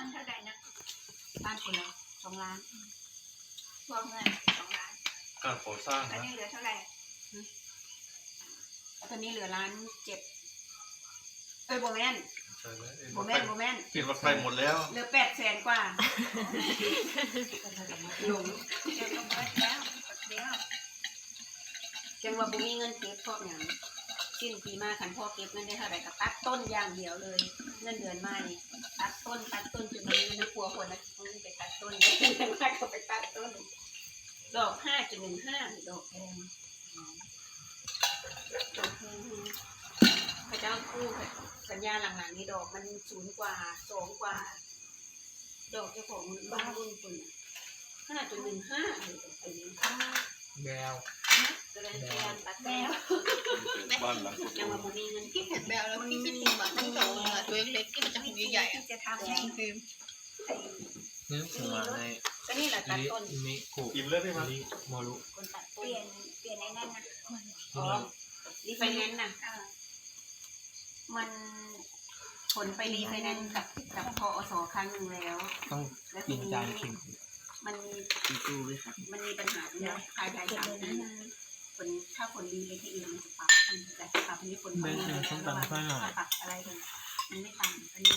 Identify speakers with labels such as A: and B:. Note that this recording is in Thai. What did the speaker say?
A: เท่าไหร่นะ
B: บ้านคนละ2 ล้าน
A: รวมเงิน2 ล้าน
C: การก่อสร้าง
A: แล้ว
C: นะ
A: นี่เหลือเท่าไหร่
B: ตอนนี้เหลือ1,700,000โบแมน
C: ใช่ไหม
B: โบแมน
C: เห็นรถไฟหมดแล้ว
B: เหลือ800,000 กว่าหลง
A: เดี๋ยวก็หมดแล้วเดี๋ยว
B: จังว่าบุมีเงินเก็บพอกอย่างสิ้นปีมาขันพ่อเก็บเงินได้เท่าไหร่ก็ตัดต้นอย่างเดียวเลย เงินเดือนมานี่ตัดต้นจนมันมีครัวคนนะมันไปตัดต้นได้เงินมากก็ไปตัดต้นดอก5.15ดอกแพงดอกแพงพระเจ้ากู้สัญญาหลังๆนี้ดอกมัน0 กว่า2 กว่าดอกเจ้าของบ้านรุ่นคน5.15เลยดอกตัวนี้
D: แมว
B: ก็เลยเรียนตัดแล้ว
C: บ้านหลังสุด
B: ยังว่าบุมีเงินเก็บ
E: แบลแล้วพี่ฟิล์มอ่ะตั้งแต่ตัวเล็กๆที่มันจะหูใหญ่ๆอ่ะ
A: ที่จะทำให้
E: ฟิล์ม
D: นึกถึงมาใน
B: ก็นี่แหละตัดต้น
D: มิคุ
C: อิ่มเลยพี่มัน
D: มิโมรุ
B: คนตัด
A: เป
B: ต้น
A: ลี่ยนในนั่นนะ
B: อ๋อรีไฟแนนซ์น่ะ มันผลไปรีไฟแนนซ์กับพอสครั้งหนึ่งแล้ว
D: ต้อง
B: แล้ว
D: กิ
B: ที
D: น
B: นี้
D: จานเข็ม
B: มันมี
D: ตู้ด้วยครับ
B: มันมีปัญหาเรื่องภายใน3 ปีผลถ้าผลรีไปที่อื่นมันจะปรับมันจะปรับอันนี้ผล
D: ได้
B: มา
D: เชิญ
B: แล้ว
D: ส้มตำข้าวหน่อย
B: ปรับอะไรกันมันไม่ต่างอันนี้